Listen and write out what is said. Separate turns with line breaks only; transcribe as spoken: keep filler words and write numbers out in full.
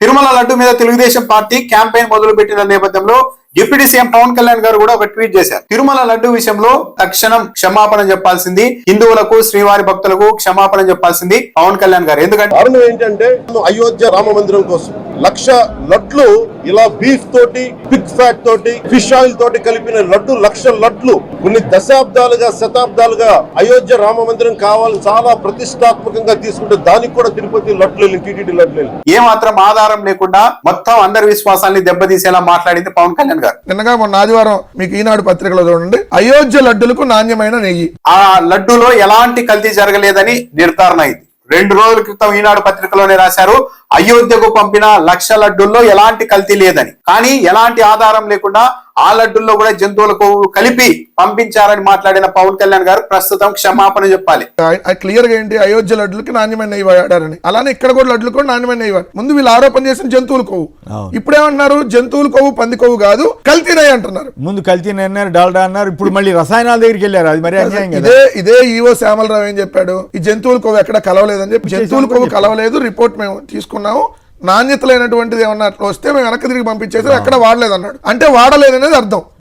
తిరుమల లడ్డు మీద Telugu Desam party campaign మొదలు పెట్టిన నేపథ్యంలో డిప్యూటీ సీఎం పవన్ కళ్యాణ్ గారు కూడా ఒక ట్వీట్ చేశారు. తిరుమల లడ్డు విషయంలో తక్షణం క్షమాపణ చెప్పాల్సింది, హిందువులకు శ్రీవారి భక్తులకు క్షమాపణ చెప్పాల్సింది పవన్ కళ్యాణ్ గారు. ఎందుకంటే
కారణం ఏంటంటే అయోధ్య రామ మందిరం కోసం లక్ష లడ్లు ఇలా బీఫ్ తోటి పిగ్ ఫ్యాట్ తోటి ఫిష్ ఆయిల్ తోటి కలిపిన లడ్డు లక్ష లడ్లు కొన్ని దశాబ్దాలుగా శతాబ్దాలుగా అయోధ్య రామ మందిరం కావాలని చాలా ప్రతిష్టాత్మకంగా తీసుకుంటే దానికి కూడా తిరుపతి లడ్లు టీటీడీ లడ్లు
ఏ మాత్రం ఆధారం లేకుండా మొత్తం అందరి విశ్వాసాన్ని దెబ్బతీసేలా మాట్లాడింది పవన్ కళ్యాణ్ గారు.
నిన్నగా మొన్న ఆదివారం మీకు ఈనాడు పత్రికలో చూడండి, అయోధ్య లడ్డులకు నాణ్యమైన నెయ్యి,
ఆ లడ్డూలో ఎలాంటి కల్తీ జరగలేదని నిర్ధారణ అయింది. రెండు రోజుల క్రితం ఈనాడు పత్రికలోనే రాశారు, అయోధ్యకు పంపిన లక్ష లడ్డూల్లో ఎలాంటి కల్తీ లేదని. కానీ ఎలాంటి ఆధారం లేకుండా ఆ లడ్డూల్లో కూడా జంతువులకు కలిపి పంపించారని మాట్లాడిన పవన్ కళ్యాణ్ గారు ప్రస్తుతం క్షమాపణ చెప్పాలి.
క్లియర్ గా ఏంటి, అయోధ్య లడ్డులకి నాణ్యమైన నెయ్యి వాడారని. అలానే ఇక్కడ కూడా లడ్లు కూడా నాణ్యమైన నెయ్యి వాడు. ముందు వీళ్ళు ఆరోపణ చేసిన జంతువుల కొవ్వు, ఇప్పుడేమంటున్నారు జంతువుల కొవ్వు పంది కొవ్వు కాదు కల్తీ నెయ్యి అంటున్నారు.
ముందు కల్తీ నెయ్యి అన్నారు, డాల్డా అన్నారు, ఇప్పుడు మళ్ళీ రసాయనాల దగ్గరికి వెళ్ళారు. అది మరి అన్యాయం కదా.
ఇదే ఇదే ఈవో శ్యామలరావు ఏం చెప్పాడు, ఈ జంతువుల కొవ్వు ఎక్కడ కలవలేదని చెప్పి. జంతువుల కొవ్వు కలవలేదు, రిపోర్ట్ మేము తీసుకున్నాము, నాణ్యత లేనటువంటిది ఏమన్నా వస్తే మేము వెనక్కి తిరిగి పంపించేసి ఎక్కడ వాడలేదు అన్నాడు. అంటే వాడలేదనేది అర్థం.